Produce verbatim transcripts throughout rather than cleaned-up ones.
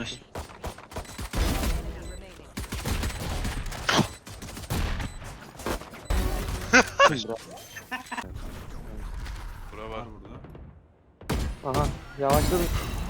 Nice. Bura var. burada. Aha yavaşladım.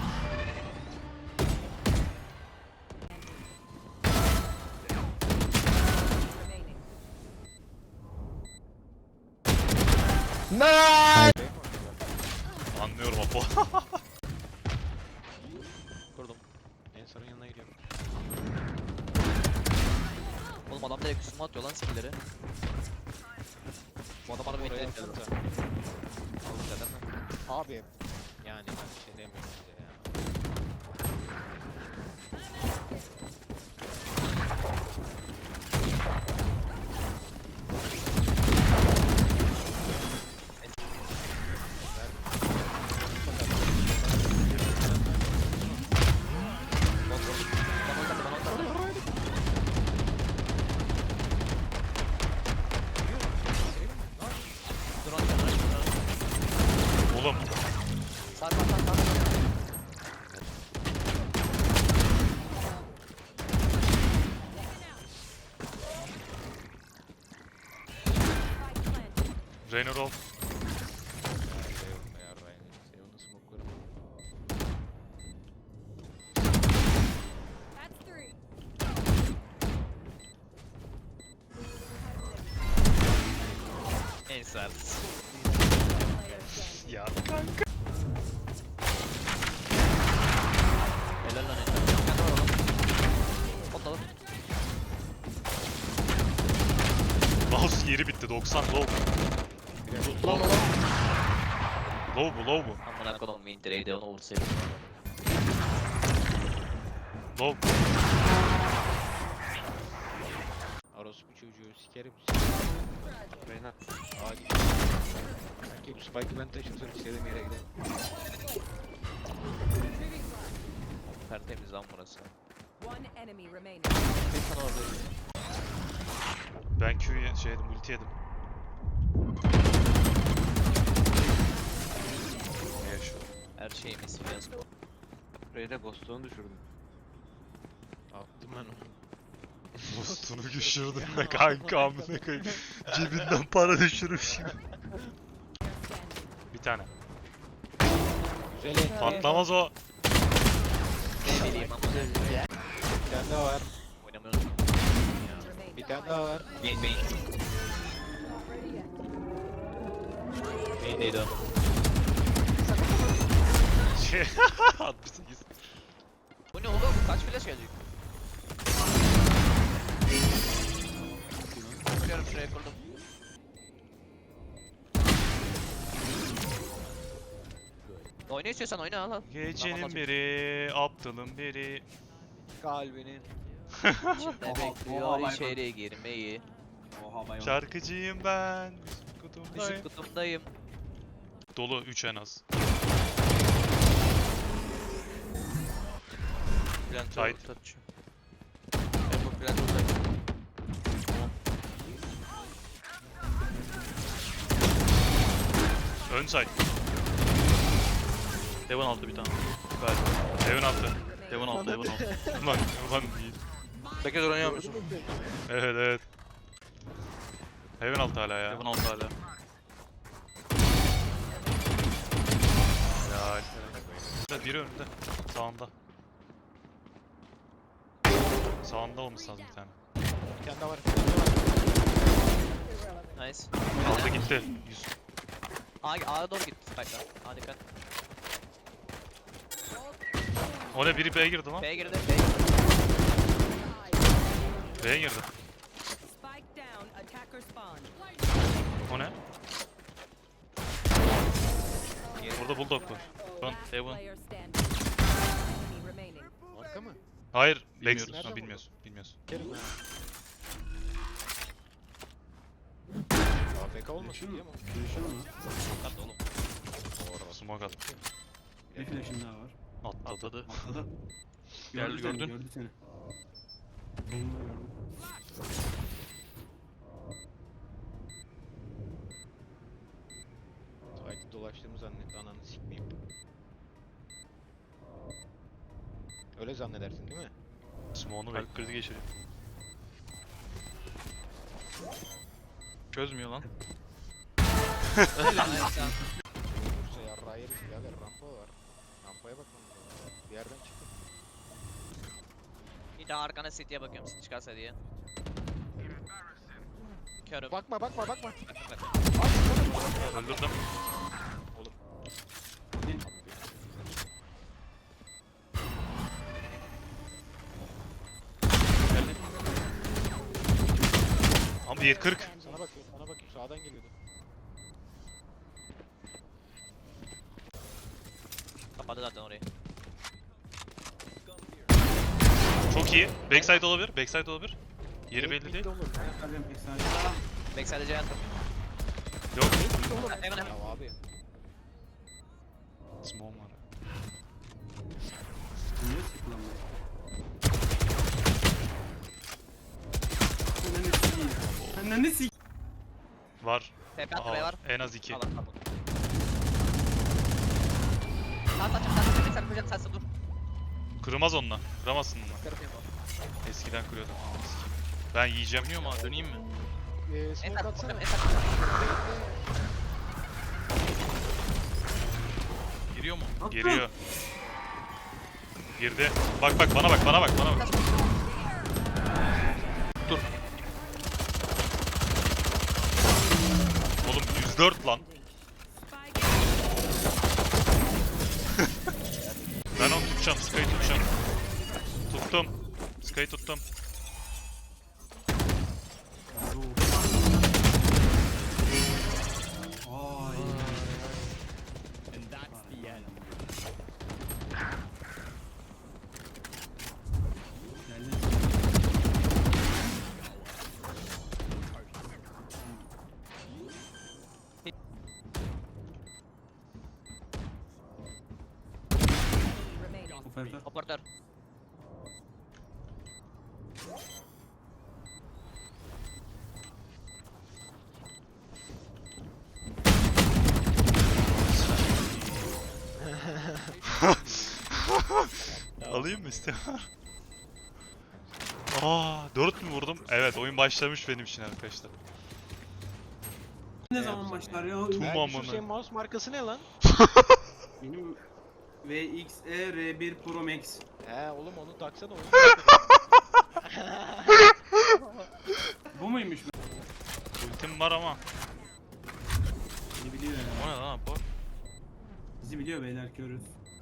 Anlıyorum Apo. Kurdum. En sarın yanına gidiyorum. Oğlum adam direkt üstüme atıyor lan skill'leri. Bu adam bana bir Oraya bekledim. atsanıza. Aldım zaten mi? Abi yani ben bir şey demiyorum size ya. Dur lan dur lan. Oğlum. Sağ sağ sağ sağ. Raynor ol. That's three. En sert. Player standing. Ya. Helal lan helal. Kendi var oğlum. Patladı. Mouse yeri bitti. doksan low. Low. Low bu low bu. Amına kodum Winter'e onu vursaydım. Low. Orospu çocuğu sikerim. Reyna. Aa git. Sanki bu spike'ı ben taşırsam istediğim yere giderim. Tertemiz lan burası. One enemy remaining. Bir tane orada. Ben Q'ye şey yedim, ulti yedim. Ne yaşıyor? Her şeyimiz fiyasko. Reyna ghost'unu düşürdüm. Attım ben onu. Dostunu düşürdüm de kanka amına koyayım. Cebinden para düşürmüş gibi. Bir tane. Güzel et. Patlamaz o. Ne bileyim ama. Bir tane daha var. Oynamıyoruz. Remaining. Bir tane daha var. Main main. Main neydi o? Şey. altmış sekiz. Bu ne oğlum? Kaç flash gelecek? Kuruyorum şuraya kurdum. Oyna istiyorsan oyna al al. Gecenin biri, aptalın biri. Kalbinin. Ne bekliyor içeri girmeyi. Şarkıcıyım ben. Işık Kutumdayım. kutumdayım. Dolu üç en az. Bülent Tight. ulti atıyor. Ben bu Bülent ulti atıyor. Ön side. Devon aldı bir tane. Evin altı. Devon aldı, Devon aldı. Ulan ulan değil. sekiz oynayamıyor musun? Evet evet. Evin altı hala ya. Devon aldı hala. Helal. Biri önünde. Sağında. Sağında olması lazım bir tane. Bir tane daha var. Bir tane daha var. Nice. Aldı gitti. yüz. A, A'ya doğru gitti Spike'lar. A dikkat. O ne biri B'ye girdi lan. B'ye girdi, B'ye girdi. B'ye girdi. Spike down. Attacker spawn. O ne? Burada bulldog var. Lan Devon. Player standing. Enemy remaining. Arka mı? hayır. Bilmiyoruz. Lex. Ha, bilmiyorsun. Bilmiyorsun. Sikerim ha. A F K olmasın diye mi? Kat oğlum. Smoke at. Bir flash'ın daha var. Atladı. Atladı. Atladı. Geldi, seni, gördün. Gördü seni. Bomba gördüm. Site'ı dolaştığımı zannetti ananı sikmeyeyim. Öyle zannedersin değil mi? Smoke'unu Kalp bekle. krizi geçiriyor. Çözmüyor lan. Yoksa yarrağı yeriz birader, rampa var. Rampaya bakmamız lazım. Bir yerden çıktı. Bir daha arkana City'ye bakıyorum City çıkarsa diye. Körüm. Bakma bakma bakma. Bak, bak. Öldürdüm. Ama bir kırk. Sana bakıyorum sana bakıyorum, sağdan geliyordu. Kapadı zaten orayı. Çok iyi. Backside olabilir. Backside olabilir. Yeri belli değil. Olur. Kalbim pek sadece. Backside'e C attım. Yok. Hemen hemen. Ya abi. Smoke var. Niye sıkılamıyor? Ananı sikeyim. Ananı sikeyim. Var. T P at Aha, buraya var. en az iki. Al al al. Sağ saçım sağ saçım sen koyacaksın sensin dur. Kırmaz onunla. Kıramazsın onunla. Kırmıyor bu. Eskiden kırıyordum. Aa, sikeyim. Ben yiyeceğim. Dönüyor mu? Döneyim mi? Ee, En smoke sağ atsana. en sağ. Giriyor mu? Attım. Geliyor. Girdi. Bak bak bana bak bana bak bana bak. Dur. Oğlum yüz dört lan. Spike Ben onu tutacağım. Sky'ı tutacağım. Tuttum. Sky'ı tuttum. Ay. Geldi. remaining. Operatör. Operatör. Alayım mı istiyor? Aa, dört mü vurdum? Evet, oyun başlamış benim için arkadaşlar. Ne zaman başlar ya? Tum Ben amına. şu senin mouse markası ne lan? Benim V X E R bir Pro Max. He oğlum onu taksana oyun. Bu muymuş? Ultim var ama. Beni biliyor ya. O ne lan bu? Bizi biliyor beyler körüz.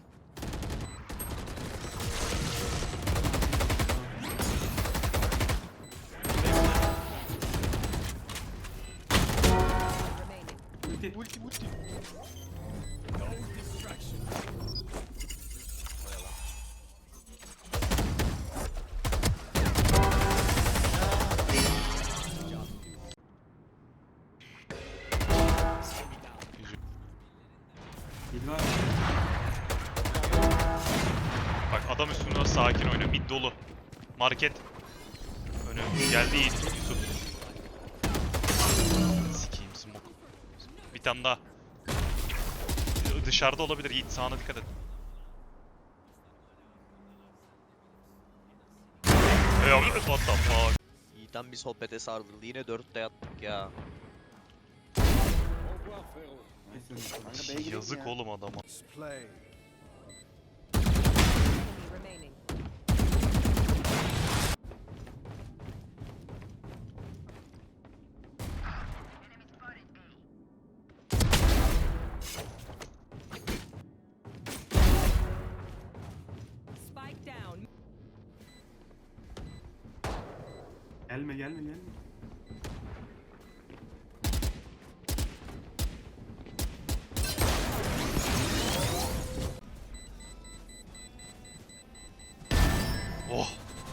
Remaining. Ulti. Ulti ulti. Mid var. Bak adam üstünde sakin oynuyor. Mid dolu. Market. Önü geldi Yiğit. Yusuf. Sikeyim smoke. Bir tane daha. Dışarıda olabilir Yiğit. Sağına dikkat et. Hey, what the fuck? Yiğit'ten bir sohbete sarıldı. Yine dörtte yattık ya. Kesin. Yazık oğlum adama. Enemy remaining. Spike down. Gelme gelme gelme. Oh.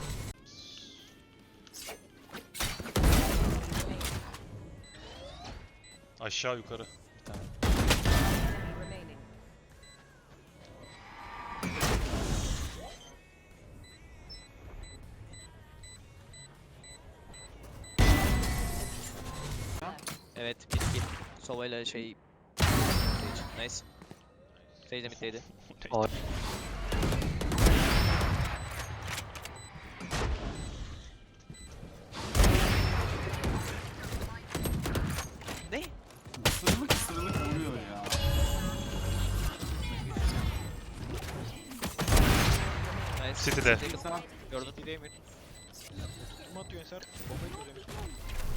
Aşağı yukarı. Bir tane. Enemy remaining. Evet bit bit. Sova'yla şey... Nice. Sage de middeydi. tanesi. City'de. City'de Sağ. gördüm. City'de Emir. Kim atıyor Ensar? Bombayı çözüyormuş.